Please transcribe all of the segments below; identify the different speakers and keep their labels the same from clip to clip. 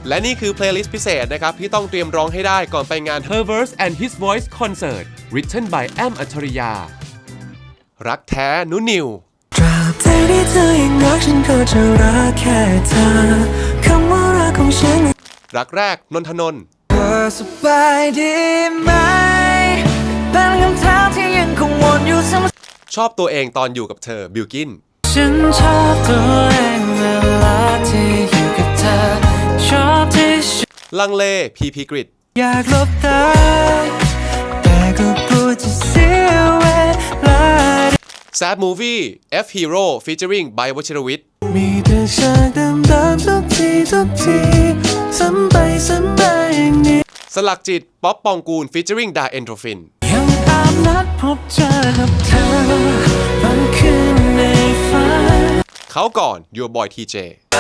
Speaker 1: และนี่คือเพลย์ลิสต์พิเศษนะครับที่ต้องเตรียมร้องให้ได้ก่อนไปงาน Her Verse and His Voice Concert Written by แอม อัจฉริยารักแท้นุนิว
Speaker 2: ตราบใดที่เธอยังรักฉันก็จะรักแค่เธอคำว่ารักของฉัน
Speaker 1: รักแรกนนทนนท์
Speaker 2: เธอสบายดีไหมเป็นคำถามที่ยังคงวนอยู่เสมอ
Speaker 1: ชอบตัวเองตอนอยู่กับเธอบิลกิน
Speaker 2: ฉันชอบตัวเองเวลาที่อยู่กับเธอชอบที่
Speaker 1: ลังเลพีพีกริด
Speaker 2: อยากลบตาแต่ก็กลัวจะเสียเวลา
Speaker 1: Sad Movie F Hero featuring ไบร์ท วชิรวิทย์
Speaker 2: มีแต่ฉากเดิมๆทุกทีซ้ำไปซ้ำมาอย่างนี้
Speaker 1: สลักจิตป๊อปปองกูล featuring ดาเอนโทรฟิน
Speaker 2: ยังตามนัดพบเจอกับเธอบางคืนในฝัน
Speaker 1: เขาก่อน Your Boy TJ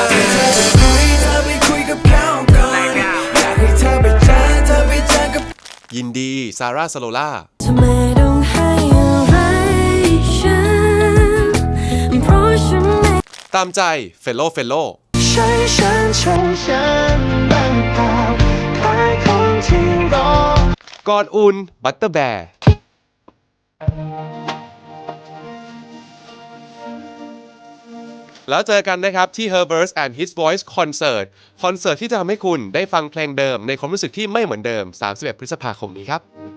Speaker 1: ยินดีซาร่าสโลล่าตามใจเฟลโล
Speaker 2: ใช่ฉันบ้างเปล่าใครคนที่รอ
Speaker 1: ก่อนอุ่นบัตเตอร์แบร์แล้วเจอกันนะครับที่ Her Verse and His Voice Concert คอนเสิร์ตที่จะทำให้คุณได้ฟังเพลงเดิมในความรู้สึกที่ไม่เหมือนเดิม31 พฤษภาคมนี้ครับ